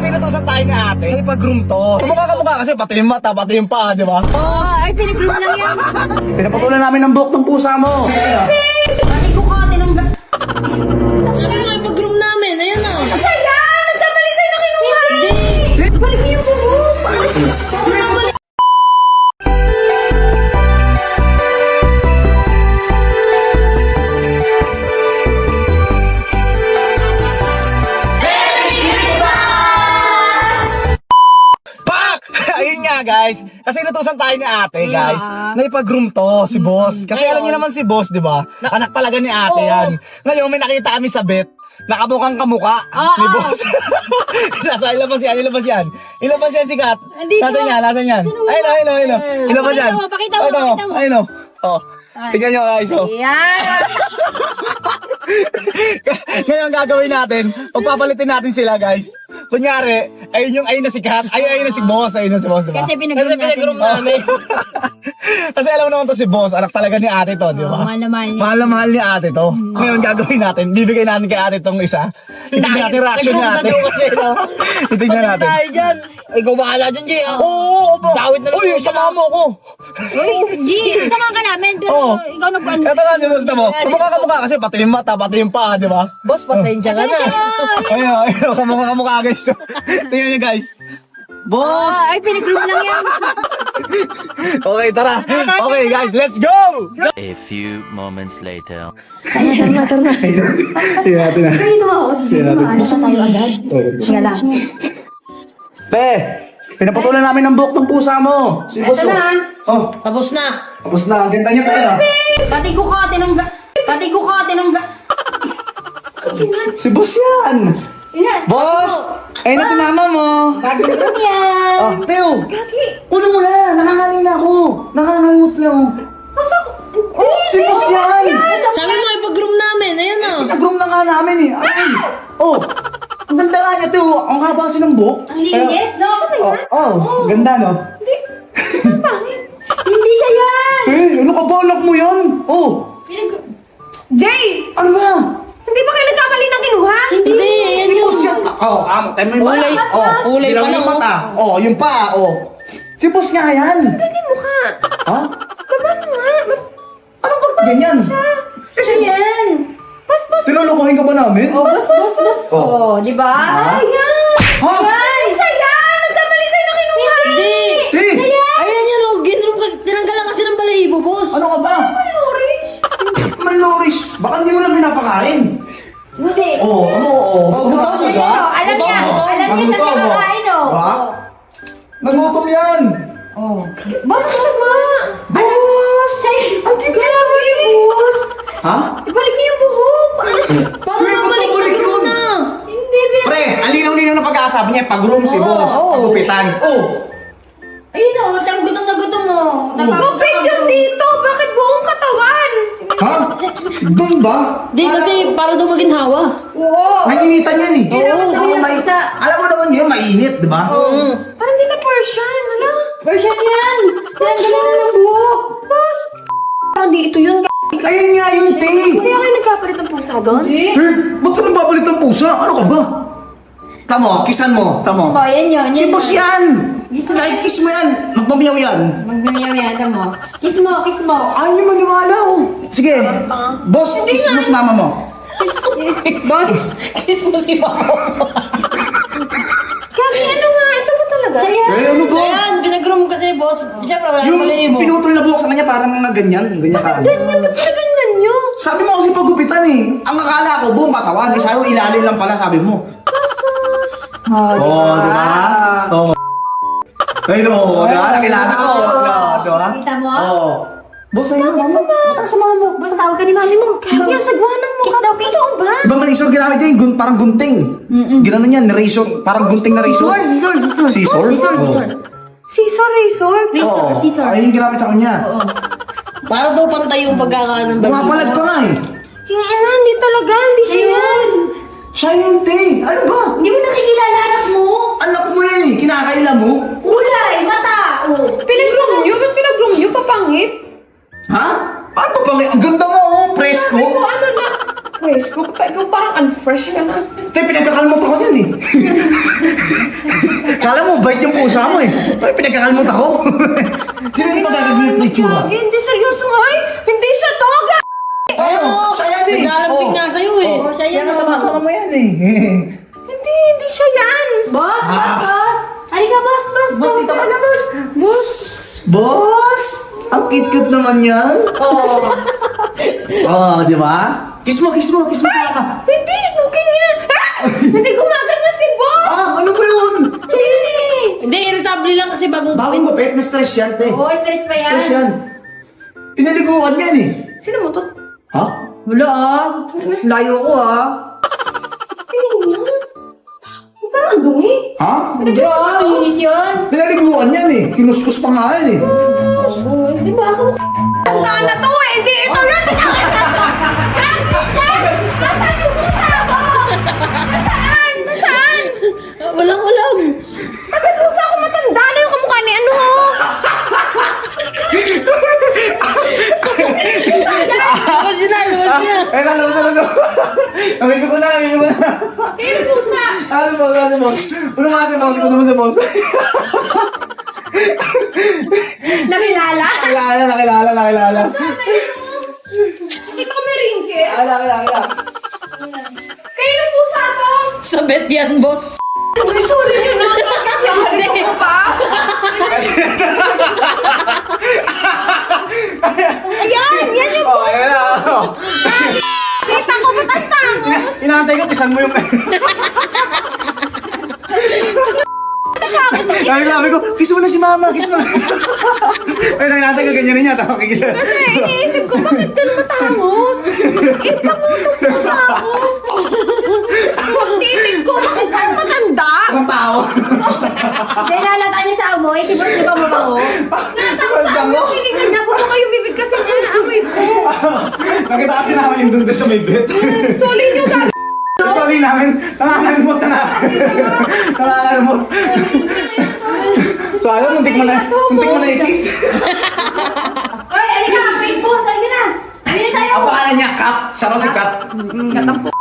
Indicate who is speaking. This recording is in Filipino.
Speaker 1: inutusan tayo ni ate. Ipag-groom to. Kumukha kasi pati yung mata, pati yung paa, di ba?
Speaker 2: Ay, pinag-groom lang yan.
Speaker 1: Pinapatulan namin ng buhok ng pusa mo.
Speaker 2: Pati ko ka, tinungga.
Speaker 3: Sabi mo nga, pag-groom namin. Ayan na.
Speaker 2: Saya! Nagkamali kayo na kinuha! Balik niyo yung buhok!
Speaker 1: Pak! Ayun nga guys, kasi inutusan tayo ni ate guys, na ipag-groom to si boss. Kasi alam niyo naman si boss, di ba? Anak talaga ni ate yan. Ngayon may nakita kami sa bet, nakamukhang kamuka ni boss. Ilabas yan. Ilabas yan sikat.
Speaker 2: Andito.
Speaker 1: Nasaan yan? Ayun. Ilabas yan.
Speaker 2: Pakita mo.
Speaker 1: Ayun o. Oh. Tingnan nyo guys. Oh.
Speaker 2: Ayan!
Speaker 1: Ngayon gagawin natin, pagpapalitin natin sila guys. Kunyari, ayun na si Kat, ayun na si boss, diba?
Speaker 2: Kasi pinag-groom
Speaker 3: namin.
Speaker 1: Kasi alam mo naman to si boss, anak talaga ni ate to, di ba?
Speaker 2: mahal na mahal niya.
Speaker 1: Mahal na mahal ni ate to. Ngayon gagawin natin, bibigay natin kay ate tong isa. Titignan natin reaction ni ate. Titignan natin.
Speaker 3: Tayo dyan. Ikaw bahala dyan, Jay.
Speaker 1: Oo, opo.
Speaker 3: Dawit na lang
Speaker 1: Uy,
Speaker 3: tayo
Speaker 1: sama mo ako.
Speaker 2: G, sama ka namin, pero
Speaker 1: Oo.
Speaker 2: ikaw nag-ano.
Speaker 1: Eto nga, di ba? Kumukha kasi pati yung mata, pati yung paa, di ba?
Speaker 3: Boss, pasensya ka na.
Speaker 1: Ayun, kamukha guys. Tingnan nyo guys. Boss!
Speaker 2: Ay, pinag-groom lang yan.
Speaker 1: Okay, tara. Okay guys, let's go!
Speaker 4: A few moments later.
Speaker 1: Tingnan natin na.
Speaker 2: Ito ako. Maalas na tayo agad. Sige lang.
Speaker 1: Pe, pinapatulan namin ng buhok ng pusa mo. Si boss.
Speaker 2: Ito na.
Speaker 1: Oh,
Speaker 3: Tapos na.
Speaker 1: tapos na. Ang ganda niya tayo.
Speaker 2: Pati ko ka, tinungga.
Speaker 1: Si boss yan. Boss! Ayun na si mama mo.
Speaker 2: Groom yan.
Speaker 1: Oh, Teo. Kunin mo na. Nangangalina ako. Nangangalimot na ako. Oh, si boss yan.
Speaker 3: Sabi mo, ipag-groom namin. Ayan na.
Speaker 1: Nag-groom na nga namin eh. Ay! Oh! Ang ganda nga niya, Teo. Ang haba kasi ng buhok.
Speaker 2: Ang linis, no?
Speaker 1: Ganda, no?
Speaker 2: Hindi siya yan.
Speaker 1: Eh, ano ka ba? Anak mo yan? Oh!
Speaker 2: Jay!
Speaker 1: Ano ba?
Speaker 2: Hindi ba kayo nagkamali ng kinuha?
Speaker 3: Hindi, ayan
Speaker 1: Si
Speaker 3: yun.
Speaker 1: boss yan. Oh, tayo mo yung
Speaker 3: Kulay.
Speaker 1: mata. Oh,
Speaker 3: Kulay
Speaker 1: bilang
Speaker 3: pa lang,
Speaker 1: yung mata. Oh, yung paa. Oh. Si boss nga yan.
Speaker 2: Hindi mukha.
Speaker 1: Ha?
Speaker 2: Baba mo nga.
Speaker 1: Anong pag ganyan? Kasi,
Speaker 2: Ayan. Bas.
Speaker 1: tinulukuhin ka ba namin?
Speaker 2: Bas.
Speaker 1: Oh.
Speaker 2: Oh, di ba?
Speaker 1: Ha?
Speaker 2: Ayan.
Speaker 1: Ha?
Speaker 2: Ay, siya! Nagkamali kayo na kinuha.
Speaker 3: Hindi.
Speaker 1: Ti!
Speaker 3: Ayan yan, oh. Ginroom kasi. Tinanggal lang kasi ng balahibo, boss.
Speaker 1: Ano ka ba?
Speaker 2: Loris.
Speaker 1: Malnourished. Baka hindi mo lang pinapakain.
Speaker 2: Hindi.
Speaker 1: Oh, ano? Oh,
Speaker 3: gutom
Speaker 1: ka
Speaker 3: siya.
Speaker 1: ba?
Speaker 2: Alam niya.
Speaker 3: Gutom.
Speaker 2: Alam niya siya
Speaker 1: Nagutom, oh.
Speaker 2: kinakain, oh.
Speaker 1: Ba? Nagutom yan.
Speaker 2: Bas.
Speaker 1: Boss!
Speaker 2: Ang grabe, boss.
Speaker 1: Ha?
Speaker 2: Ibalik niyo yung buhok.
Speaker 3: Paano
Speaker 1: Uy,
Speaker 3: nga balik
Speaker 1: babalik
Speaker 3: na
Speaker 1: yun.
Speaker 3: na?
Speaker 2: Hindi,
Speaker 1: Pre, ang linaw-linaw na pag-aasabi niya, pag-room si boss. Pagupitan. Oh!
Speaker 2: Ayun o, tama gutom na gutom mo. Gupit yun dito! Bakit buong katawan?
Speaker 1: Ha? Doon ba?
Speaker 3: Di, kasi para daw maging hawa.
Speaker 2: Oo.
Speaker 1: Mainitan yan eh.
Speaker 2: Oo,
Speaker 1: Ako, alam mo naman yun, mainit, di ba?
Speaker 2: Parang di ka Persian, ano? Persian yan! Tinanggalan na ng buhok. Boss! Parang di ito yun.
Speaker 1: Ayun nga yung te.
Speaker 2: Kaya kayo nagkapalit ng pusa doon? Hindi.
Speaker 1: Eh, ba't ka nagbabalit ng pusa? Ano ka ba? Tamo, kisan mo. Tamo.
Speaker 2: Ba, yan yun.
Speaker 1: Si boss yan!
Speaker 2: Kiss mo.
Speaker 1: Kahit kiss mo yan, magmamiyaw yan.
Speaker 2: Magbimayaw yan, mo. Kiss mo.
Speaker 1: Ayaw niyo maniwala oh. Sige, boss, kiss mo si mama mo.
Speaker 2: Boss!
Speaker 3: Kiss mo si Mama.
Speaker 2: Kaki, ano nga? Ito ba talaga? Siya
Speaker 1: Eh, ano ba?
Speaker 3: Ayan, pinag-groom kasi, boss. Siyempre, wala
Speaker 1: Yung
Speaker 3: ng balahibo.
Speaker 1: pinutol na buhok sa kanya parang mga ganyan ka.
Speaker 2: Ganyan, ba't pinagandyan nyo?
Speaker 1: Sabi mo kasi pagupitan eh. Ang akala ko buong katawan, eh sabi mo ilalim lang pala sabi mo. Oh, di ba? Oh. Ay no, di ba? Nakilala ko. Di ba?
Speaker 2: Kita mo?
Speaker 1: Oh. Boss, ayun, mama. Matang sa mama mo.
Speaker 2: Boss, tawag ka ni mami mo. Kaya sagwanang mo. Kiss daw, kiss. Ito ba?
Speaker 1: Ibang razor ginamit yan, parang gunting. Ginanon yan, razor, parang gunting na razor.
Speaker 2: Scissor.
Speaker 1: Scissor? Oh.
Speaker 2: Scissor.
Speaker 1: Ayun yung ginamit sa kanya.
Speaker 3: Para daw pantay yung pagkakaano ng
Speaker 1: Bumapalag pa nga eh.
Speaker 2: Yung ina, hindi talaga. Hindi siya yun.
Speaker 1: Siya yun, te. Ano ba?
Speaker 2: Hindi mo nakikilala anak mo.
Speaker 1: Anak mo yan eh, kinakaila mo.
Speaker 2: Kulay, mata.
Speaker 5: Pinag-groom nyo? Ba't pinag-groom nyo? Papangit?
Speaker 1: Ha? Ano pa bang? Ang ganda mo, oh. Presko.
Speaker 5: Sabi ko, ano na? Presko, ikaw parang unfresh ka na.
Speaker 1: Te, pinagkakalmot ako yan eh. mabait yung pusa mo eh. Ay, pinagkakalmot ako. Sino yung magagagalip na itsura?
Speaker 2: Gagi, hindi seryoso nga eh. Hindi siya to, gagi.
Speaker 1: Oo, siya yan eh.
Speaker 3: Naglalambing nga sa'yo eh.
Speaker 2: Oo, siya yan.
Speaker 1: Kaya kasama mo yan eh.
Speaker 2: Hindi siya yan. Boss, boss. Halika, boss.
Speaker 1: Boss, ito ka na, boss.
Speaker 2: Boss.
Speaker 1: Boss! Ang cute-cute naman yan.
Speaker 2: Oo.
Speaker 1: Oo, di ba? Kiss mo ka.
Speaker 2: Hindi, okay nga. Hindi gumaganda si boss.
Speaker 1: Ano ba yun?
Speaker 2: Siya yun eh.
Speaker 3: Hindi, irritable lang kasi bagong
Speaker 1: Bagong gupit, na-stress yan, te.
Speaker 2: Oo, stress pa yan.
Speaker 1: Stress yan. Pinaliguan yan eh.
Speaker 2: Sino mo to?
Speaker 1: Ha?
Speaker 2: Wala ah. Layo ko ah. Tingin niya. Parang ang dumi.
Speaker 1: Ha?
Speaker 2: Hindi ah, linis yun.
Speaker 1: Pinaliguan yan eh. Kinuskus pa nga yan eh.
Speaker 2: Oo, di ba ako? Tandaan na to eh. Hindi, ito na. Grabe siya. Nasaan yung pusa ko? Nasaan?
Speaker 3: Walang ulam.
Speaker 2: Kasi pusa ko matanda na yung kamukha ni ano.
Speaker 3: Lumos yun na.
Speaker 1: Eh, nalabas. Aminin ko na.
Speaker 2: Kaya yung pusa.
Speaker 1: Ano mo? Ano nga si boss? Ano mo si boss?
Speaker 2: Nakilala?
Speaker 1: Nakilala.
Speaker 2: Hindi pa kami ringke.
Speaker 1: Nakilala.
Speaker 2: Kaya yung pusa to.
Speaker 3: Sabet yan, boss.
Speaker 2: Uy, suli nyo na. Yari ko pa. Yan yung
Speaker 1: Oh, ayan na.
Speaker 2: kita ko ba't ang tangos?
Speaker 1: Inaantay ko, pisan mo yung... Sabi ko, kiss mo na si mama, kiss mo na. Ay, inaantay ko, ganyan rin yata. Kiss.
Speaker 2: Kasi iniisip ko, bakit ka matangos? Kita mo itong pusa ko. Pagtitig ko, bakit parang matanda?
Speaker 1: Ang tao.
Speaker 2: Hindi, nalata niya sa amoy. Si Boss, di ba mabango? Natangos sa amoy. Hiningan niya. Buka kayo bibig kasi niya na amoy ko.
Speaker 1: Nakita kasi namin yung dun sa may bed.
Speaker 2: Soli niyo, gag...
Speaker 1: Sorry namin, nangangalimot na nangangalimot. So, alam, muntik mo na i-kiss.
Speaker 2: Hoy, alika, wait, Boss. Alika na. Bili tayo.
Speaker 1: Ang pangalan niya, Kat. Siya raw si Kat.
Speaker 2: Katampo.